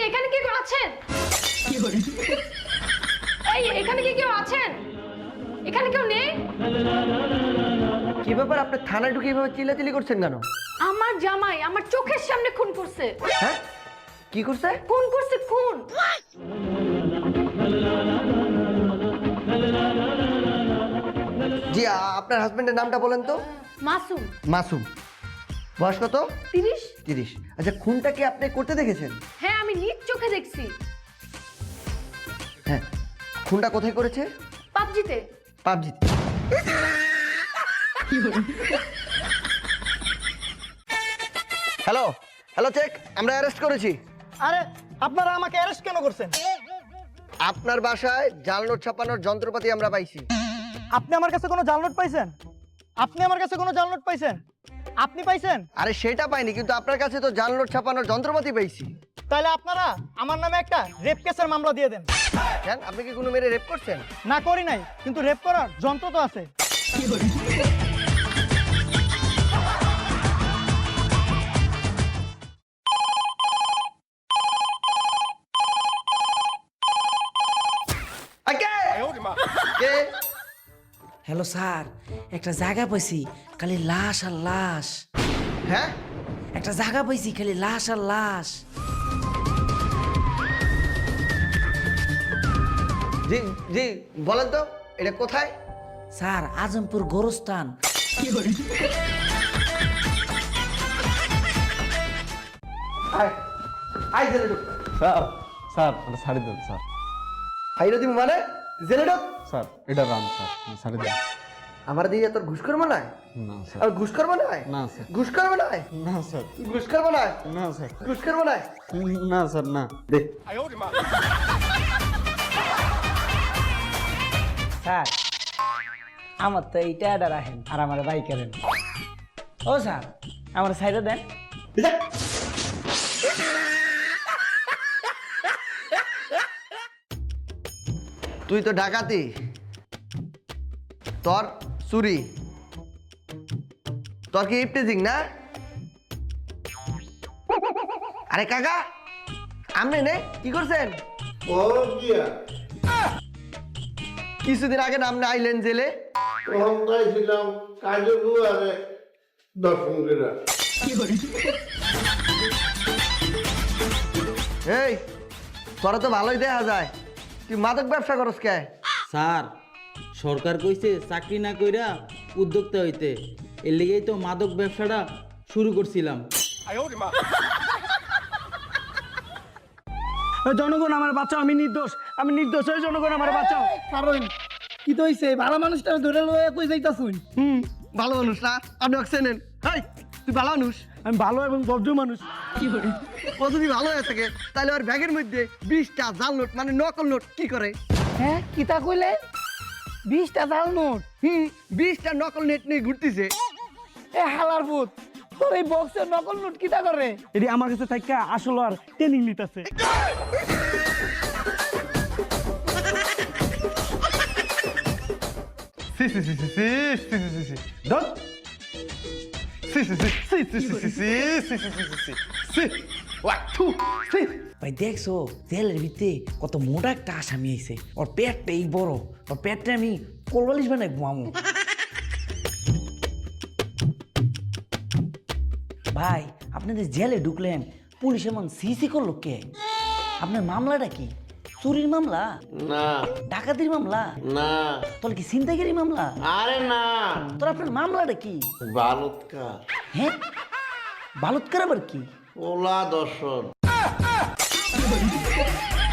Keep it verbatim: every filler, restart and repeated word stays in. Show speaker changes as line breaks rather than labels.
এখানে কি কেউ আছেন? এই এখানে কি কেউ আছেন? এখানে কেউ নেই?
কি ব্যাপার, আপনি থানায় ঢুকে এভাবে চিল্লাচিল্লি করছেন কেন?
আমার জামাই আমার চোখের সামনে খুন করছে।
হ্যাঁ, কি করছে?
খুন করছে, খুন।
জি, আ- আপনার হাজবেন্ডের নামটা বলেন তো।
মাসুম।
মাসুম। বয়স কত?
তিরিশ।
তিরিশ। আচ্ছা, খুনটা কি আপনি করতে দেখেছেন?
হ্যাঁ, আমি নিজ চোখে দেখছি।
হ্যাঁ, খুনটা কোথায় করেছে?
পাবজিতে।
পাবজি। হ্যালো হ্যালো চেক, আমরা অ্যারেস্ট করেছি।
আরে আপনারা আমাকে অ্যারেস্ট কেন করছেন?
আপনার বাসায় জাল নোট ছাপানোর যন্ত্রপাতি আমরা পাইছি।
আপনি আমার কাছে কোনো জাল নোট পাইছেন? আপনি আমার কাছে কোনো জাল নোট পাইছেন? আপনি পাইছেন?
আরে সেটা পাইনি, কিন্তু আপনার কাছে তো জাল নোট ছাপানোর যন্ত্রপাতি পেয়েছি।
তাহলে আপনারা আমার নামে একটা রেপ কেসের মামলা দিয়ে দেন।
কেন, আপনি কি কোনো মেরে রেপ করছেন?
না, করি নাই, কিন্তু রেপ করার যন্ত্র তো আছে।
আগে! কে?
হ্যালো স্যার, একটা জায়গা পাইছি খালি লাশ আর লাশ।
হ্যাঁ,
একটা জায়গা পাইছি খালি লাশ আর লাশ।
জি জি, বলেন তো এটা কোথায়?
স্যার, আজমপুর গোরস্থান।
আয় আয় জেলে ঢুক।
স্যার স্যার এটা ছাড়ি দেন স্যার।
ফাইরে দিবি মানে? জেলে ঢুক।
স্যার এটা রান স্যার, ছাড়ি দেন।
আমার দিয়ে তোর ঘুষ করবো না?
না স্যার।
আর ঘুষ করবো না?
না স্যার।
ঘুষ করবো না?
না স্যার।
ঘুষ করবো না?
না স্যার।
ঘুষ করবো না?
না স্যার, না।
দে।
স্যার, আমার তো এইটা এটা রাখেন আর আমার বাইক করেন। ও স্যার, আমার সাইডে দেন।
যা। তুই তো ডাকাতি, তোর চুরি, তোর কি ইফটেজিং না? আরে কাকা, আপনি নে কি করছেন? কিছুদিন আগে নাম আইলেন জেলে।
ছিলাম কাজে আরে দর্শন করে
এই, তোরা তো ভালোই দেখা যায়, তুই মাদক ব্যবসা করস কে?
স্যার, সরকার কইছে চাকরি না কইরা উদ্যোক্তা হইতে, এর লেগেই তো মাদক ব্যবসাটা শুরু করছিলাম।
জনগণ আমার বাঁচাও, আমি নির্দোষ, আমি নির্দোষ, ওই জনগণ আমার বাঁচাও। কারণ কি তো হইছে, ভালো মানুষটা ধরে লয়ে কই যাইতাছুন?
হুম, ভালো মানুষ না? আপনি ওকে চেনেন? এই, তুই ভালো মানুষ?
আমি ভালো এবং ভদ্র মানুষ।
ও যদি ভালো হয়ে থাকে তাহলে ওর ব্যাগের মধ্যে বিশটা জাল নোট মানে নকল নোট কি করে?
হ্যাঁ, কিতা কইলে? বিশটা জাল নোট?
হুম, বিশটা নকল নোট নিয়ে ঘুরতেছে।
এ হালার ভূত, তোর এই বক্সের নকল নোট কিতা করে? এটি আমার কাছে থাকা আসল আর ট্রেনিং নিতেছে।
সি সি সি সি সি সি সি সি সি ডন সি সি সি সি সি সি সি সি সি সি সি সি ওয়ান টু সি।
ভাই দেখছো জেলের ভিতরে কত মোটা একটা আসামি আইছে, ওর পেটটা এই বড়, ওর পেটটা আমি কোলবালিশ বানাই ঘুমামু। ভাই, আপনাদের জেলে ঢুকলেন, পুলিশ এমন সিসি করলো কে? আপনার মামলাটা কি? চুরির মামলা?
না
ডাকাতির মামলা?
না
তাহলে কি ছিনতাইকারী মামলা?
আরে না
তোর আপনার মামলাটা কি?
বালুৎকার
হ্যাঁ, বালুৎকার আবার কি?
ওলা দর্শন